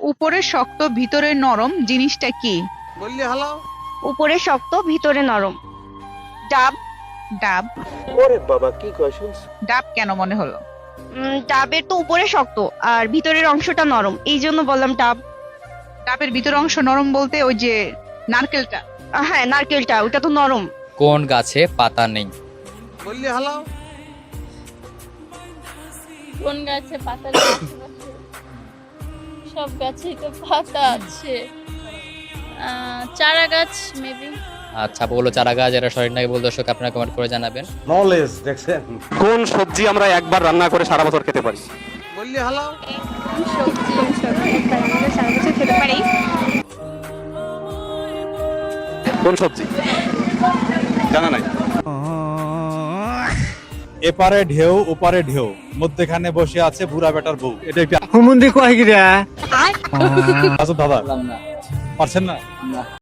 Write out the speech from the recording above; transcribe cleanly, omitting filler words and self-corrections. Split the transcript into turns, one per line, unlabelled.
উপরে শক্ত ভিতরে নরম জিনিসটা কি?
বললি হ্যালো।
উপরে শক্ত ভিতরে নরম। ডাব।
ডাব।
ওরে বাবা কি কয় শুনছ?
ডাব কেন মনে হলো?
ডাবের তো উপরে শক্ত আর ভিতরের অংশটা নরম, এই জন্য বললাম ডাব।
ডাবের ভিতর অংশ নরম বলতে ওই যে নারকেলটা?
হ্যাঁ, নারকেলটা, ওটা তো নরম।
কোন গাছে পাতা নেই?
বললি হ্যালো।
কোন গাছে পাতা নেই? আশেপাশে সব গাছেই তো পাতা আছে। চারা গাছ মেবি।
আচ্ছা, বলো চারা গাছ, এটা সঠিক নাকি ভুল দর্শক আপনারা কমেন্ট করে জানাবেন।
নলেজ দেখছেন?
কোন সবজি আমরা একবার রান্না করে সারা বছর খেতে পারি?
বললি হ্যালো।
সবজি
সারা বছর খেতে পারি।
কোন সবজি জানা নাই?
এপারে ঢেউ ওপারে ঢেউ, মধ্যখানে বসে আছে বুড়া বেটার বউ। এটা একটি
হুমুন্দি কয় গিরা
দাদা পারছেন না?